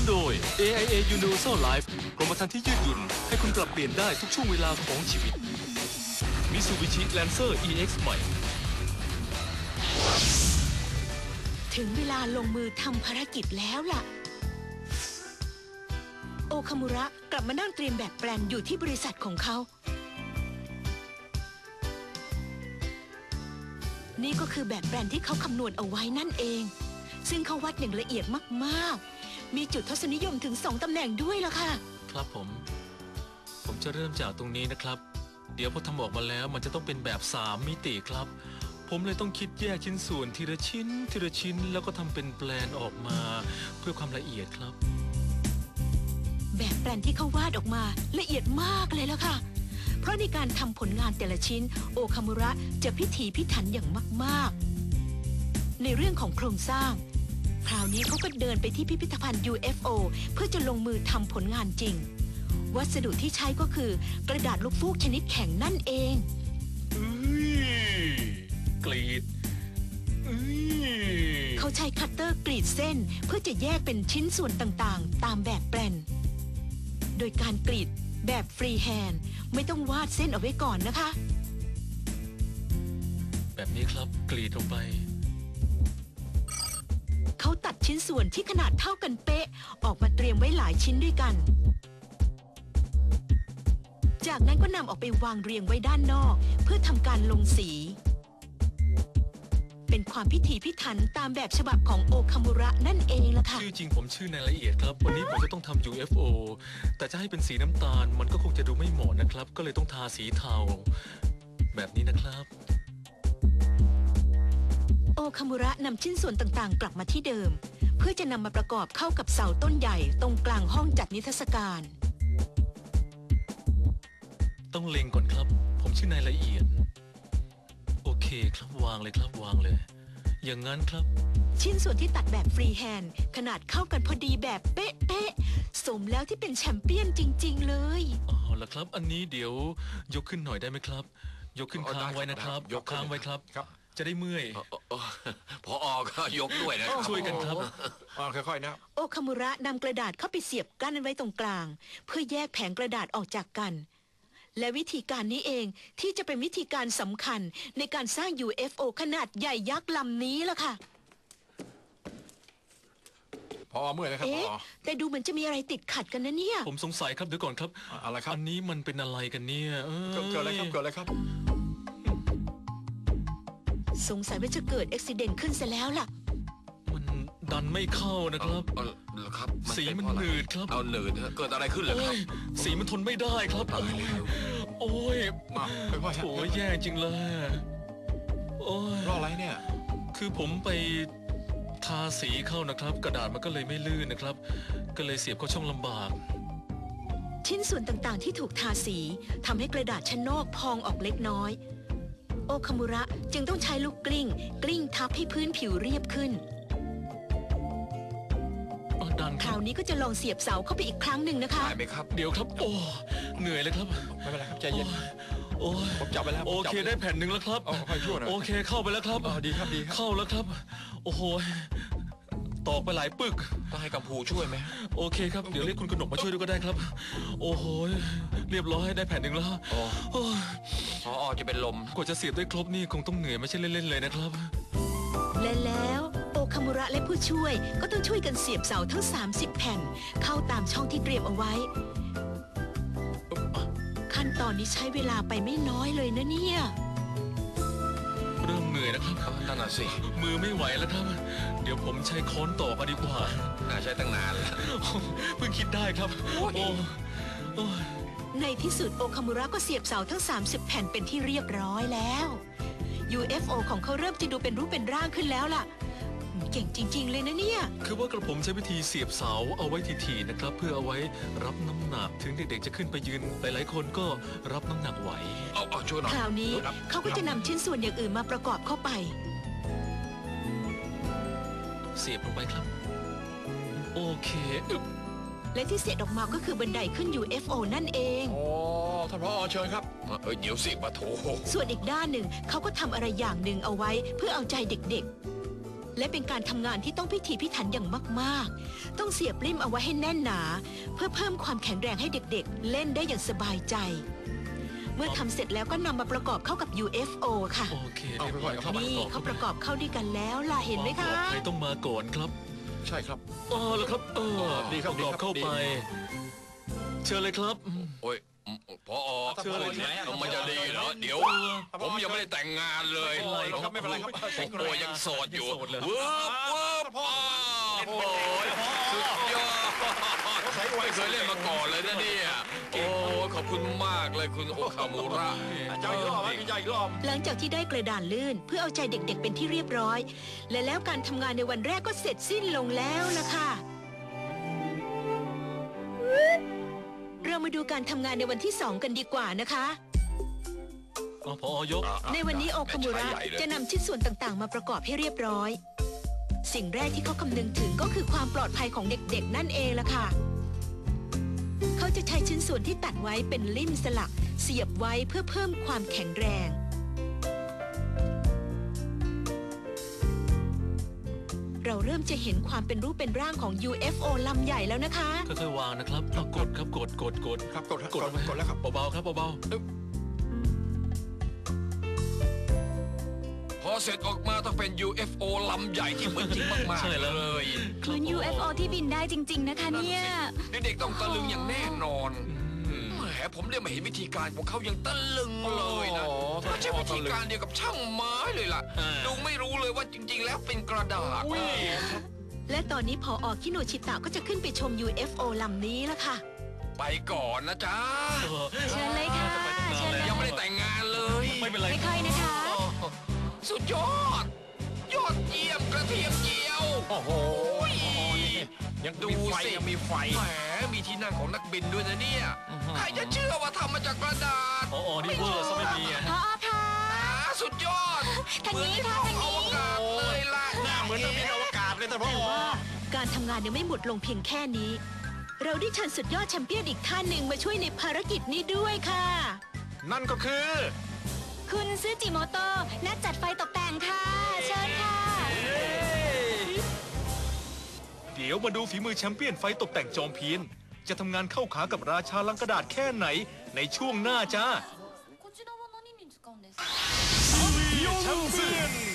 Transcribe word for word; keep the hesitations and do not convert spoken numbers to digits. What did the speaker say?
โดย เอ ไอ เอ Universal Life กรมธรรม์ที่ยืดหยุ่นให้คุณปรับเปลี่ยนได้ทุกช่วงเวลาของชีวิต Mitsubishi Lancer อี เอ็กซ์ ใหม่ถึงเวลาลงมือทำภารกิจแล้วล่ะโอคามุระกลับมานั่งเตรียมแบบแปลนอยู่ที่บริษัทของเขานี่ก็คือแบบแปลนที่เขาคำนวณเอาไว้นั่นเองซึ่งเขาวัดอย่างละเอียดมากๆมีจุดทศนิยมถึงสองตำแหน่งด้วยล่ะค่ะครับผมผมจะเริ่มจากตรงนี้นะครับเดี๋ยวพอทำออกมาแล้วมันจะต้องเป็นแบบสามมิติครับผมเลยต้องคิดแยกชิ้นส่วนทีละชิ้นทีละชิ้นแล้วก็ทำเป็นแปลนออกมาเพื่อความละเอียดครับแบบแปลนที่เขาวาดออกมาละเอียดมากเลยแล้วค่ะเพราะในการทำผลงานแต่ละชิ้นโอคามุระจะพิถีพิถันอย่างมากๆในเรื่องของโครงสร้างคราวนี้เขาก็เดินไปที่พิพิธภัณฑ์ ยู เอฟ โอ เพื่อจะลงมือทำผลงานจริงวัสดุที่ใช้ก็คือกระดาษลูกฟูกชนิดแข็งนั่นเองกรีดเขาใช้คัตเตอร์กรีดเส้นเพื่อจะแยกเป็นชิ้นส่วนต่างๆตามแบบแปลนโดยการกรีดแบบฟรีแฮนด์ไม่ต้องวาดเส้นเอาไว้ก่อนนะคะแบบนี้ครับกรีดลงไปเขาตัดชิ้นส่วนที่ขนาดเท่ากันเป๊ะออกมาเตรียมไว้หลายชิ้นด้วยกันจากนั้นก็นำออกไปวางเรียงไว้ด้านนอกเพื่อทำการลงสีเป็นความพิถีพิถันตามแบบฉบับของโอคามุระนั่นเองล่ะค่ะชื่อจริงผมชื่อนายละเอียดครับวันนี้ผมจะต้องทำ ยู เอฟ โอ แต่จะให้เป็นสีน้ำตาลมันก็คงจะดูไม่เหมาะนะครับก็เลยต้องทาสีเทาแบบนี้นะครับโอคามุระนำชิ้นส่วนต่างๆกลับมาที่เดิมเพื่อจะนำมาประกอบเข้ากับเสาต้นใหญ่ตรงกลางห้องจัดนิทรรศการต้องเล็งก่อนครับผมชื่อนายละเอียดโอเคครับวางเลยครับวางเลยอย่างนั้นครับชิ้นส่วนที่ตัดแบบฟรีแฮนด์ขนาดเข้ากันพอดีแบบเป๊ะๆสมแล้วที่เป็นแชมเปี้ยนจริงๆเลยอ๋อละครับอันนี้เดี๋ยวยกขึ้นหน่อยได้ไหมครับยกขึ้นค้างไว้นะครับยกค้างไว้ครับจะได้เมื่อยพอออกก็ยกด้วยนะช่วยกันครับค่อยๆนะโอคามุระนำกระดาษเข้าไปเสียบกั้นไว้ตรงกลางเพื่อแยกแผงกระดาษออกจากกันและวิธีการนี้เองที่จะเป็นวิธีการสำคัญในการสร้าง ยู เอฟ โอ ขนาดใหญ่ยักษ์ลำนี้ล่ะค่ะพอเมื่อยนะครับเอ๊ะแต่ดูเหมือนจะมีอะไรติดขัดกันนะเนี่ยผมสงสัยครับเดี๋ยวก่อนครับอะไรครับอันนี้มันเป็นอะไรกันเนี่ยเกิดอะไรครับเกิดอะไรครับสงสัยว่าจะเกิดอุบัติเหตุขึ้นซะแล้วล่ะมันดันไม่เข้านะครับครับสีมันหนืดครับเอาหนืดเกิดอะไรขึ้นเหรอครับสีมันทนไม่ได้ครับโอ้ยโอ้ยแย่จริงเลยโอ้ยรออะไรเนี่ยคือผมไปทาสีเข้านะครับกระดาษมันก็เลยไม่ลื่นนะครับก็เลยเสียบเข้าช่องลำบากชิ้นส่วนต่างๆที่ถูกทาสีทำให้กระดาษชั้นนอกพองออกเล็กน้อยโอคามุระจึงต้องใช้ลูกกลิ้งกลิ้งทับให้พื้นผิวเรียบขึ้นคราวนี้ก็จะลองเสียบเสาเข้าไปอีกครั้งหนึ่งนะคะได้ไหมครับเดี๋ยวครับโอ้เหนื่อยเลยครับไม่เป็นไรครับใจเย็นโอ้ผมจับไปแล้วโอเคได้แผ่นหนึ่งแล้วครับโอเคเข้าไปแล้วครับดีครับดีเข้าแล้วครับโอ้โหตอกไปหลายปึกต้องให้กัมพูช่วยไหมโอเคครับเดี๋ยวเรียกคุณกนกมาช่วยด้วยก็ได้ครับโอ้โหเรียบร้อยได้แผ่นหนึ่งแล้วพออจะเป็นลมกว่าจะเสียบได้ครบนี่คงต้องเหนื่อยไม่ใช่เล่นๆเลยนะครับและแล้วโอคามุระและผู้ช่วยก็ต้องช่วยกันเสียบเสาทั้งสามสิบแผ่นเข้าตามช่องที่เตรียมเอาไว้ขั้นตอนนี้ใช้เวลาไปไม่น้อยเลยนะเนี่ยเริ่มเหนื่อยนะครับนั่นน่ะสิมือไม่ไหวแล้วครับเดี๋ยวผมใช้ค้อนตอกดีกว่าน่าใช้ตั้งนานแล้วเพิ่งคิดได้ครับโอ้ในที่สุดโอคามุระก็เสียบเสาทั้งสามสิบแผ่นเป็นที่เรียบร้อยแล้ว ยู เอฟ โอ ของเขาเริ่มจะดูเป็นรูปเป็นร่างขึ้นแล้วล่ะเก่งจริงๆเลยนะเนี่ยคือว่ากระผมใช้วิธีเสียบเสาเอาไว้ทีๆนะครับเพื่อเอาไว้รับน้ำหนักถึงเด็กๆจะขึ้นไปยืนหลายๆคนก็รับน้ำหนักไหวเอาเอาช่วยหน่อยคราวนี้เขาก็จะนำชิ้นส่วนอย่างอื่นมาประกอบเข้าไปเสียบลงไปครับโอเคและที่เสร็จออกมาก็คือบันไดขึ้น ยู เอฟ โอ นั่นเองโอ้ท่านผอ.เชิญครับเอ้ยเดี๋ยวสิปะโถส่วนอีกด้านหนึ่งเขาก็ทำอะไรอย่างหนึ่งเอาไว้เพื่อเอาใจเด็กๆและเป็นการทำงานที่ต้องพิถีพิถันอย่างมากๆ ต้องเสียบปลิ้มเอาไว้ให้แน่นหนา เพื่อเพิ่มความแข็งแรงให้เด็กๆ เล่นได้อย่างสบายใจ เมื่อทำเสร็จแล้วก็นำมาประกอบเข้ากับ ยู เอฟ โอ ค่ะโอเคเอาไปเรียบร้อยเข้ามานี่เขาประกอบเข้าด้วยกันแล้วล่ะเห็นไหมคะใครต้องมาก่อนครับใช่ครับอ๋อแล้วครับ เออดีครับประกอบดีครับเข้าไป เชิญเลยครับอืมโอ้ยอืมพอเชิญเลยมันจะดีเหรอเดี๋ยว ผมยังไม่ได้แต่งงานเลยไม่เป็นไรครับไม่เป็นไรครับโอ้ยยังโสดอยู่ยังโสดเหรอวืบวืบอ้าวโอ้ยสุดยอดไม่เคยเล่นมาก่อนเลยนะเนี่ยโอ้ขอบคุณมากเลยคุณโอคามูระเจ้าอีกรอบไหมพี่เจ้าอีกรอบหลังจากที่ได้กระดานลื่นเพื่อเอาใจเด็กๆเป็นที่เรียบร้อย และแล้วการทำงานในวันแรกก็เสร็จสิ้นลงแล้วล่ะค่ะ เรามาดูการทำงานในวันที่สองกันดีกว่านะคะอ๋อพอยกในวันนี้โอคามุระจะนำชิ้นส่วนต่างๆ มาประกอบให้เรียบร้อย สิ่งแรกที่เขาคำนึงถึงก็คือความปลอดภัยของเด็กๆนั่นเองล่ะค่ะ เขาจะใช้ชิ้นส่วนที่ตัดไว้เป็นลิ่มสลัก เสียบไว้เพื่อเพิ่มความแข็งแรง เราเริ่มจะเห็นความเป็นรูปเป็นร่างของ ยู เอฟ โอ ลำใหญ่แล้วนะคะค่อยๆวางนะครับเอากดครับกดกดกดครับกดกดกดแล้วครับเบาๆครับเบาพอเสร็จออกมาต้องเป็น ยู เอฟ โอ ลำใหญ่ที่เหมือนจริงมากๆเลยๆเหมือน ยู เอฟ โอ ที่บินได้จริง ๆ นะคะเนี่ยเด็กๆต้องตะลึงอย่างแน่นอนแหมผมได้มาเห็นวิธีการของเขายังตะลึงเลยนะไม่ใช่วิธีการเดียวกับช่างไม้เลยล่ะ ดูไม่รู้เลยว่าจริงๆ แล้วเป็นกระดาษและตอนนี้พออคิโนชิตะก็จะขึ้นไปชม ยู เอฟ โอ ลำนี้แล้วค่ะไปก่อนนะจ๊ะเชิญเลยค่ะเชิญเลยยังไม่ได้แต่งงานเลยไม่เป็นไรไม่ค่อยนะคะสุดยอด ยอดเยี่ยมกระเทียมเจียวโอ้โห ยังดูมีไฟสิยังมีไฟแหมมีที่นั่งของนักบินด้วยนะเนี่ย ใครจะเชื่อว่าทำมาจากกระดาษอ๋อนี่เวอร์ซะไม่มีอ่ะพอค่ะอ่าสุดยอดทางนี้ค่ะเหมือนที่อวกาศเลยล่ะหน้าเหมือนนักบินอวกาศเลยท่านพ่อแต่ว่าการทำงานยังไม่หมดลงเพียงแค่นี้ เราได้เชิญสุดยอดแชมเปี้ยนอีกท่านหนึ่งมาช่วยในภารกิจนี้ด้วยค่ะนั่นก็คือคุณซึจิโมโตะนักจัดไฟตกแต่งค่ะ เชิญค่ะเดี๋ยวมาดูฝีมือแชมเปี้ยนไฟตกแต่งจอมเพียน จะทำงานเข้าขากับราชาลังกระดาษแค่ไหนในช่วงหน้าจ้าこちらは何に使うんですかแชมเปี้ยน